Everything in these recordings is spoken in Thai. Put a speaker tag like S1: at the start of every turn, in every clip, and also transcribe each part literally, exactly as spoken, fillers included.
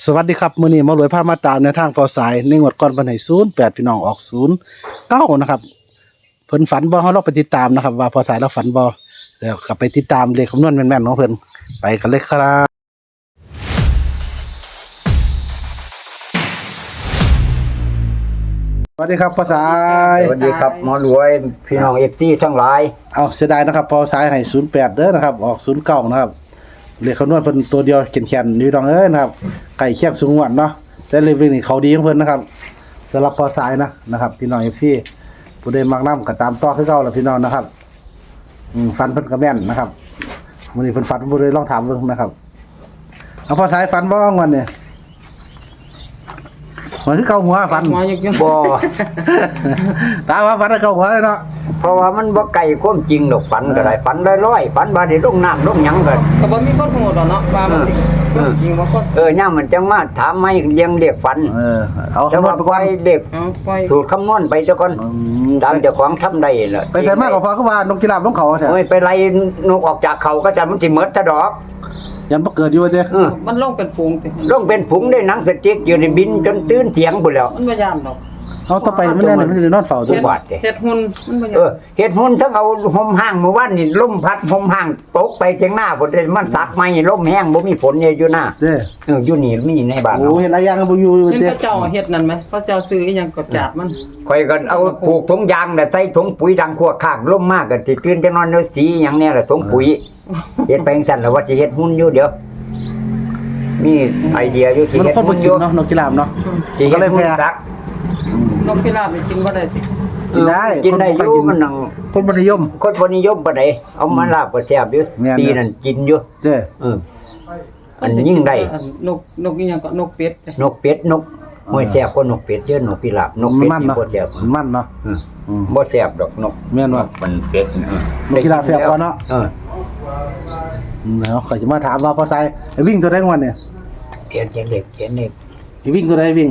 S1: สวัสดีครับมื้อนี้หมารวยพามาตามในทางพอสายในงวดก่อนวันให้ศูนย์แปดพี่น้องออกศูนย์เก้านะครับเพิ่นฝันบ่เฮาลองไปติดตามนะครับว่าพอสายเราฝันบ่แล้วก็ไปติดตามเลขคำนวณแม่นๆของเพิ่นไปกันเลยครับสวัสดีครับพอสาย
S2: สวัสดีครับหมอรวยพี่น้อง เอฟ ซี ทั้งหลาย
S1: เอาเสียดายนะครับพอสายให้ศูนย์แปดเด้อนะครับออกศูนย์เก้านะครับเลขคำนวณเพิ่นตัวเดียวแข็งๆอยู่ดองเอ้ยนะครับไก่เคียงสูงวัดเนาะแต่เลขนี่เขาดีของเพิ่นนะครับสำหรับพอสายนะนะครับพี่น้อง เอฟ ซี ผู้ใดมักนำก็ตามต่อคือเก่าล่ะพี่น้องนะครับอืมฟันเพิ่นก็แม่นนะครับมื้อนี้เพิ่นฟันบ่ได้ลองถามเบิ่งนะครับเอาพอสายฟันบ่งอนเนี่ยมันคือเก่าหัวฟัน
S2: บ่
S1: ตามว่าฟันเก่าหัวเลยเนาะ
S2: เพราะว่ามันบ่ไกลความจริงดอกฝันก็ได้ฝันลอยๆฝันว่าได้ลงน้ำลงหยังก็
S3: ก็บ่มีคนโหดหรอกเนาะว่ามันสิมันจริงว่าคน
S2: เออย่ามมันจังมาถามมาเรียงเรียกฝัน
S1: เออเอา
S2: จัง
S1: คำนว
S2: ว่า
S1: ณไปก่อน
S2: ไปเด็ก
S3: เอาปล่อย
S2: สูตรคำนวณไปเจ้าก่อน
S1: อืม
S2: ตามเจ้าของทำได้ล่ะ
S1: ไปใส่มากกว่าพอคือว่านกกีฬาลงเขาแท้
S2: โอ้ยไปไล่นกออกจากเขาก็จะมันสิหมดซะดอก
S1: ยันบ่เกิดอยู่ว่าเด้
S2: เออ
S3: มันลงเป็นฝูงติ
S2: ลงเป็นผุงได้หนังสติ๊กอยู่ในบินจนตื่นเสียงพุ่นแล้ว
S3: มันบ่ย่านดอก
S1: เอาต่อไปมันแน่นมันสินอนเฝ้าตั
S2: ทุ
S1: ว
S2: กบาทเด้
S3: เฮ็ดหุ่นมันบ่
S2: เอ
S3: ย่าน
S2: อเฮ็ดหุ่นทั้งเอาห่มห้างเมื่อวานนี่ลมพัดห่มห้างตกไปเจียงหน้าพุ่นเลยมันสักไม้ลมแห้งบ่มีฝนเนี่ยอยู่หน้า
S1: เด้อ
S2: เอออยู่นี่มีในบ้าน
S1: โอ้
S2: เนาะ
S1: เห็นหลายอย่างบ่อยู่
S3: เห็น
S1: เด้
S3: พระเจ้าเฮ็ดนั่นไหมพระเจ้าซื้ออีหยังก็จาดมัน
S2: ข่อยก็เอาปลูกถุงยางน่ะใส่ถุงปุ๋ยดังขวดคากลมมากก็สิตื่นจังนอนเด้อสีหยังแน่ล่ะถุงปุ๋ยเฮ็ดไปจังซั่นแล้วว่าสิเฮ็ดหุ่นอยู่เดี๋ยวมีไอเดียอยู่สิ
S1: มัน
S2: เฮ็ด
S1: คนบ่
S2: หุ่นอ
S1: กิน
S2: ยู่
S1: เนาะนกกีฬาเนาะ
S2: สิเฮ็ดหุ่นสัก
S3: นกพิราบนี่กินบ่ได้ติ
S1: กินได้
S2: กินได้อยู่มันนั่ง
S1: คนบ่นิยม
S2: คนบ่นิยมปานใดเอามาลาบก็แซ่บอยู่
S1: แม่น
S2: ปีนั้นกินอยู่
S1: เด้อ
S2: เอออันยิ่งได้
S3: อันนกนกอีหยังก็นกเป็ดจ้ะ
S2: นกเป็ดนกห้วยแซ่บกว่านกเป็ดเยอะนกพิราบนกเป็ด
S1: มัน
S2: นี่
S1: เนาะ
S2: บ่แซ่บ
S1: มันเนาะ
S2: อืม
S1: อืม
S2: บ่แซ่บดอกนก
S1: แม่นบ่
S2: มันเป็ดเออน
S1: กพิราบแซ่บกว่าเนาะ
S2: เออ
S1: อืมแล้วข่อยจะมาถามว่าพอสายไอ้วิ่งตัวใดงอนเนี่ย
S2: เขียนเขียนเล็กเขียนเล็ก
S1: สิวิ่งตัวใดวิ่ง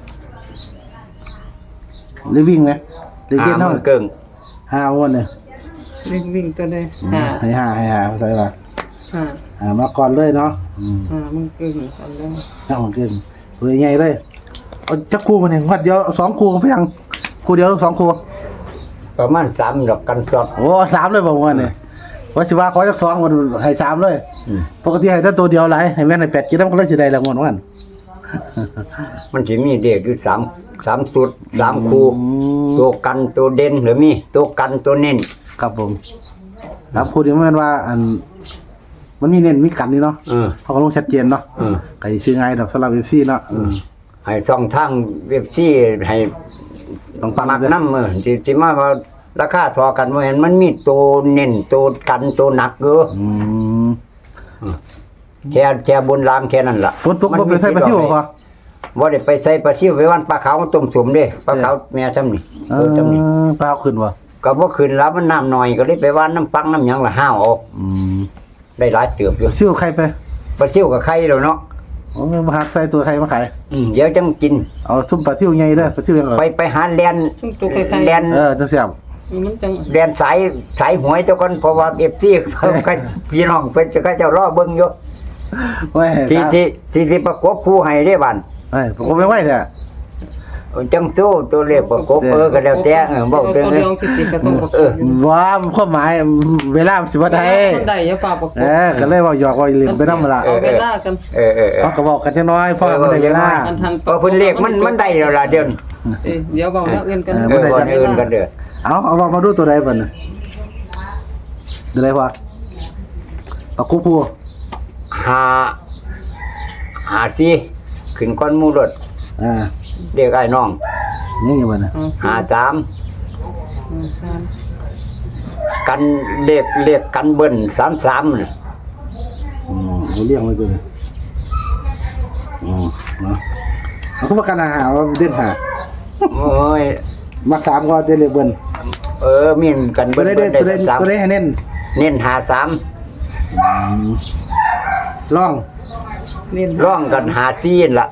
S1: หรือวิ่งไหมหรือเกณฑ์เนาะ
S2: หามันเกิง
S1: ห้าวันเนี่ย
S3: วิ่งวิ่งตัวใดหา
S1: ให้ห้าให้ห้าพอสายว่า
S3: หา
S1: อ่ามาก่อนเลยเนาะอืม
S3: หามันเกินอันแล้ว
S1: น่าหอนเกินเฮ้ยใหญ่เลยเอาจักคู่มันเองวัดเดียวเอาสองคู่กันไปยังคู่เดียวหรือสองคู่
S2: ประมาณสามดอกกันสด
S1: โอ้สามเลยบอกว่าเนี่ยว่าสิว่าขอจักสองมันให้สามเลย
S2: อืม
S1: ปกติให้แต่ตัวเดียวหลายให้แม่นให้แปดกินแล้วมันก็เลยสิได้แล้วงวดวัน
S2: มันสิมีเด็กอยู่สามสามสุดสามคู่
S1: อืม
S2: ตัวกันตัวเด่นหรือมีตัวกันตัวเน้น
S1: ครับผมสามคู่นี้มันว่า อัน มันมีเน้นมีกันนี่เนาะ
S2: เออ
S1: เขาก็ลงชัดเจนเนาะ
S2: เออ
S1: ใครซื้อง่ายดอกสำหรับ เอฟ ซี เนาะอืม
S2: ให้ช่องทางเว็บที่ให้
S1: ต้องปัง
S2: มัก
S1: เด้อ
S2: น้ำเออที่ที่มาว่าราคาทอกันบ่เห็นมันมีตัวเน้นตัวกันตัวหนักเด้อ
S1: อืม
S2: แค่แค่บนรางแค่นั้นล่ะ
S1: ฝนตกบ่ไปใส่ปลาซิวบ่พอ
S2: บ่ได้ไปใส่ปลาซิวไปวันปลาขาวมันต้มสมเด้ปลาขาวแม่ซ้ำนี่
S1: เอ
S2: ตัวซ้ำนี่
S1: อปลาเอาขึ้นบ่
S2: ก็บ่ขึ้นแล้วมันน้ำน้อยก็เลยไปว่านน้ำปังน้ำหยังละห้าวเอา
S1: อืม
S2: ได้หลายเติบอยู่
S1: ซิวใครไป
S2: ปลาซิวกับไข่แล้วเนาะ
S1: โอ้มาหักใส่ตัวใครมาขาย
S2: อืมเดี๋ยวจังกิน
S1: เอาซุ่มปลาซิวใหญ่เด้อปลาซิวยัง
S2: ไปไปหาแลน
S3: ซึ่งตัวคล้ายๆ
S2: แลน
S1: เออจังเสียบ
S3: มันจัง
S2: แลนสายสายหวยเจ้าก่อนเพราะว่า เอฟ ซี เพิ่นก็พี่น้องเพิ่นจะก็เจ้ารอเบิ่งอยู่
S1: เว้ย
S2: ที่ที่ที่สิประกบคู่ให้เด้บัด
S1: เอ้ยผมไม่ไหวเด้อ
S2: จังสู้ตัวเลขประกบเออก็แล้วแต่เออเว้า
S3: ตั
S2: ถึ
S3: ว
S2: ง
S3: เดียวสิติก็ต้อง
S2: เออ
S1: ว่าความหมายเวลามันสิบ่ได้
S3: ได้อย่าฝากประก
S1: เอบ อก็เลยเว่าหยอกว่าลืมไปนำล่ะ
S3: เอาเวลากัน
S2: เออเออเออ
S1: เอาก็บอกกันจังน้อยพ่อมันได้เวลา
S3: อันทัน
S2: เพราะเพิ่นเลขมันมันได้แล้วล่ะเดี๋ยวนี้
S3: เอ้ยเดี๋ยวเว้าเรื่องอื่นกัน
S2: เออบ่ได้อื่นกันเด้อ
S1: เอาเอามามาดูตัวใดบัดน่ะตัวใดพ่อปากกุผู้
S2: หาหาสิขึ้นก้อนหมู่รถ
S1: อ่า
S2: เรียกไอ้น้อง
S1: นี่ไงบัดน่ะ
S2: หาสาม
S3: สาม
S2: กันเลขเลขกันเบิ้นสามสามน่ะ
S1: อืมเอาเลี้ยงไว้ตัวนี้อืมเนาะเอาเข้ามากันอาหารว่าเด่นหา
S2: โอ้ย
S1: มักสามก็เด่นเลยเบิ่น
S2: เออมีนกัน
S1: ตัว
S2: เบิ้น
S1: ใด
S2: เบิ้
S1: เด่
S2: น
S1: น
S2: ได้
S1: ตัวใดตัว
S2: สาม
S1: ใดให้เน้น
S2: เน้นหาสาม
S1: อืมลอง
S3: นี่
S2: ร่องกันหาซีนละ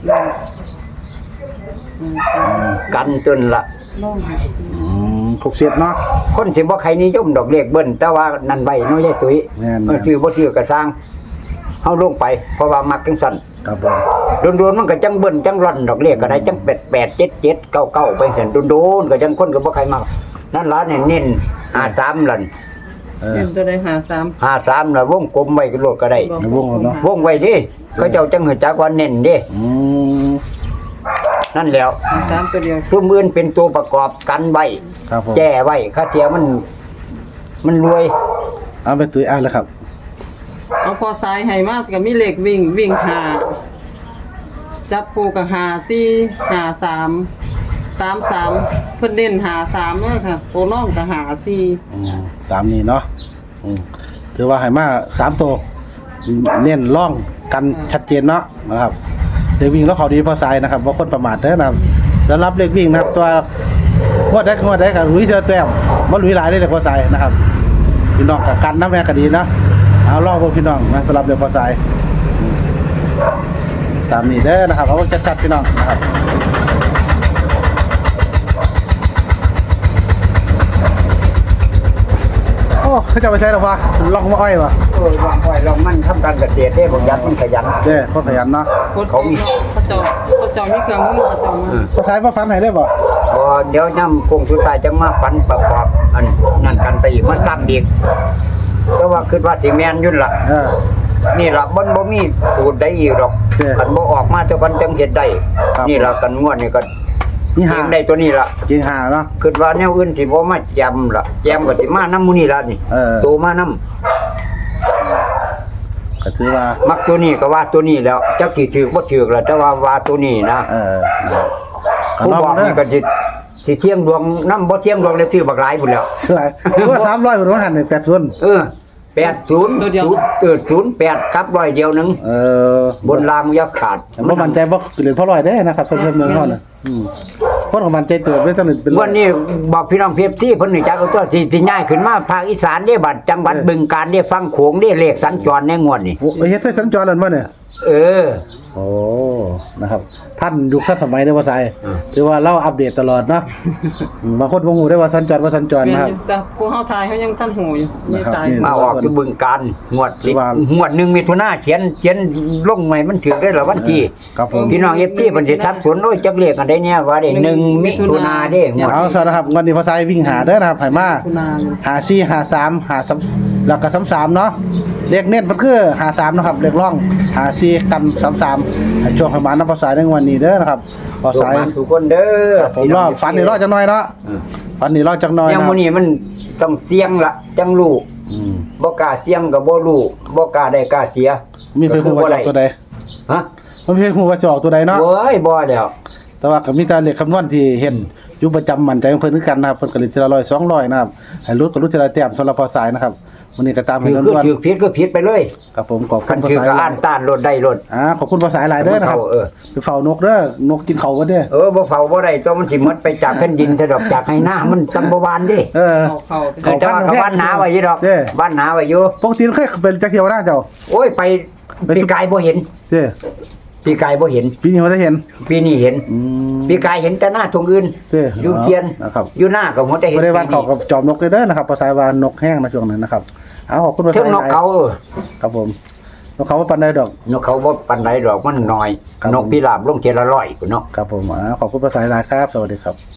S3: อืม
S2: กันตุนละ
S3: น้อง
S1: อืมถูกเสียดเนาะ
S2: คนสิบ่ใครนิยมดอกเลขเบิ้นแต่ว่านั่นใบน้อยใหญ่ตุ้ย
S1: แม่นๆ
S2: เออซื้อบ่ซื้อก็สร้างเฮาลงไป เพราะว่ามักจังซั่น
S1: ครับผม
S2: โดนๆมันก็จังเบิ่นจังร่อนดอกเรียกก็ได้จังแปดแปดเจ็ดเจ็ดเก้าเก้าไปซั่นโดนๆก็จังคนก็บ่ใครมักนั่นล่ะเนี่ยเน้นห้าสามลั่น
S1: เออ
S3: เน้นตัวใดหาสาม
S2: ห้าสามน่ะวงกลมไว้ก็โลดก็ได้
S1: ในวงแล้วเนาะ
S2: วงไว้ดิเขาเจ้าจังหูจักว่าเน้นเด้
S1: อืม
S2: นั่นแหล้ว
S3: หาสามตัวเดียว
S2: ซุมอื่นเป็นตัวประกอบกันไว้
S1: ครับผม
S2: แก้ไว้ค่าเทียมัน มันรวย
S1: เอาไปตุ้ยอ่านเลยครับ
S3: เอาพอสายให้มากก็มีเลขวิ่งวิ่งหาจับคู่กับหาสี่หาสามสามสามเพิ่นเน้นหาสามเด้อค่ะโปรน้องก็หาสี่
S1: อืมตามนี้เนาะอืมถือว่าให้มาสามตัวเน้นร่องกันชัดเจนเนาะนะครับเลขวิ่งแล้วเขาดีพอสายนะครับว่าคนประมาทเด้อนะครับสำหรับเลขวิ่งนะครับ ตัวงวดได้งวดได้กับลุยเทอแต้มบ่ลุยหลายได้เลยพอสายนะครับพี่น้องกับกันน้ำแม่ก็ดีเนาะเอาล่องพวกพี่น้องนะสำหรับเลขพอสายอืมตามนี้เด้อนะครับเอาชัดๆพี่น้องนะครับโอ้เขาจะไปใช้หรอวะล่องมาอ้อยวะ
S2: เออลองไว้ลองมันทำการเกษตรเด้ผมยันมันขยัน
S1: เด้อคนขยันเนาะ
S3: คนเขามีเขาเจ้าเขาเจ้ามีเครื่องมือเขาเจ้ามา
S2: อืม
S1: พอสายพอฟันให้ได้บ่
S2: พอเดี๋ยวย่ำคงสุดท้ายจังมาฝันประกอบอันนั่นกันไปอีกมันซ้ำอีกแต่ว่าคิดว่าสิแม่นยุ่นล่ะ
S1: เออ
S2: นี่ล่ะบ่บ่มีสูตรใดอีกหรอก
S1: เออ
S2: คันบ่ออกมาเจ้ากันจังเฮ็ดได้
S1: ครับ
S2: นี่ล่ะกันงวดนี่ก็
S1: นี่
S2: เอ
S1: หาง
S2: ได้ตัวนี้ล่ะ
S1: จริงหาเนาะ
S2: คิดว่าแนวอื่นสิบ่มาแจมล่ะแจมก็สิมานำหมู่นี่ล่ะนี่
S1: เออ
S2: โตมานำ
S1: ก็ถือว่า
S2: มักตัวนี้ก็ว่าตัวนี้แล้วจักสิถือบ่ถือล่ะแต่ว่าว่าตัวนี้นะ
S1: เออก็
S2: ผู้
S1: น้อง
S2: บอก
S1: เด้
S2: นี่
S1: อ
S2: ก็สิสิเที่ยงดวงนำบ่เที่ยงดวงเลยซื้อบักหลายพุ่นแล้ว
S1: สลายว่าสามร้อยบนว่าหันเนี่ยแปดส่วน
S2: เออแปดสิบ
S3: ตัวเดียว
S2: เออศูนย์แปดครับร้อยเดียวหนึง
S1: เออบ
S2: นรางยักษ์ขาด
S1: แต่บ่มั่นใจบ่เหรียญพ่อร้อยเด้อนะครับเพิ่นเมืองเฮาน่ะอืมคนของมันใจตัวไม่ต้องเป็นร้อย
S2: วันนี้บอกพี่น้องเพียบที่เพิ่นนี่จักเอาตัวสิสิย้ายขึ้นมาภาคอีสานเด้บัดจังหวัด
S1: เออ
S2: บึงกาฬเด้ฟังโขงเด้เลขสัญจรในงวดนี่
S1: โอ้เฮ็ดให้สัญจรนั่นบ่เนี่ย
S2: เออ
S1: โอ้นะครับท่านยุคท่านสมัยเด้อว่าไส
S2: อืม
S1: ถือว่าเราอัปเดตตลอดเนาะอืมบางคนบ่ฮู้ได้ว่าสัญจรว่าสัญจร
S3: เปลี่ยน
S1: นะครับ
S3: อยู่แต่ผู้เฮาทายเขายังทันหูอยู่มี
S1: นะครับ
S3: สาย
S1: นี่
S2: มาออกที่บึงกาฬงวดสิ
S1: ว่า
S2: งวดหนึงมิถุนาเขียนเขียนลงใหม่มันถือได้ละวันที่
S1: ครับผม
S2: พี่น้อง เอฟ ซี เพิ่นสิสับสนโอ้ยจักเลขกันได้เนี่ยว่าได้หนึ่งมิถุนาเด้งวด
S1: เอาซะนะครับวันนี้พอสายวิ่งหาเด้อนะครับให้มา
S3: คุณนาน
S1: หาสี่หาสามหาสามแล้วก็สามสามเนาะเลขเน้นมันคือหาสามนะครับเลขร่องหาสี่กันสามสามให้ช่วงประมาณน้ำพอสายในวันนี้เด้อนะครับพอ
S2: ส่ง
S1: สาย
S2: มาทุกคนเด้อ
S1: ครับผมรอฝันนี่รอจังน้อยเนาะ
S2: อืม
S1: ฝันนี่รอจังน้อย
S2: ยัง
S1: นะ
S2: มื้อนี้มันต้องเสี่ยงละจังรู้
S1: อืม
S2: บ่กล้าเสี่ยงก็บ่รู้บ่กล้าได้กล้าเสีย
S1: มีเพิ่นฮู้ว่าจะออกตัวใด
S2: ฮะ
S1: มันเพิ่นฮู้ว่าจะออกตัวใดเนาะ
S2: โอ้ยบ่แล้ว
S1: แต่ว่าก็มีแต่เลขคำนวณที่เห็นอยู่ประจำมั่นใจของเพิ่นคือกันนะครับเพิ่นก็เล่นทีละร้อยสองร้อยนะครับให้ลุ้นก็ลุ้นทีละแต้มสำหรับพอสายนะครับวันนี้ก็ตามให้
S2: ถือ
S1: ล้
S2: คือ
S1: วน
S2: ถือผิดก็ผิดไปเลย
S1: ๆครับผมขอบคุ
S2: คั
S1: ณ
S2: น
S1: พอ
S2: ถือ
S1: สาย
S2: ก็
S1: หลา
S2: อ่าย นต้านรถได้รถ
S1: อ่าขอบคุณพอสายหลายเด้อนะครับ
S2: เออ
S1: ไปเฝ้านกเด้อนกกินเขาบ่เด้อ
S2: เออบ่เฝ้าบ่ได้ตัวมันสิหมดไปจากแผ่นดินซะดอกจากให้หน้ามันจังบ่หวานเด้
S1: เออ
S3: เข้าเข้า
S2: เออแต่ว่าก็บ้านหนาไว้อยู่ดอก
S1: เด้
S2: บ้านหนาไว้อยู่
S1: ปกติเคยเป็นจักเที่ยวนะเจ้า
S2: โอ้ยไป
S1: ไป
S2: ปีกายบ่เห็น
S1: เด้
S2: ปีกายบ่เห็น
S1: ปีนี้บ่ได้เห็น
S2: ปีนี้เห็น
S1: อืม
S2: ปีกายเห็นแต่หน้าตรงอื่น
S1: เด้
S2: อยู่เทียน
S1: นะครับ
S2: อยู่หน้าก็หมดได้เห็น
S1: บ่ได้วันเขากับจอมนกเลยเด้อนะครับพอสายวานกแห้งนะช่วงนั้นนะครับเอาขอบคุณพอ
S2: ถึ
S1: สาง ย
S2: น
S1: ห
S2: ก
S1: ลาย
S2: เขาเออ
S1: ครับผมนกเขาบ่ปานใดดอก
S2: นกเขาบ่ปานใดดอกมันน้อย
S1: ครับ
S2: นกพิราบลงเทยละร้อยพุ่นเนาะ
S1: ครับผมอ่าขอบคุณภาษาหลายครับ สวัสดีครับ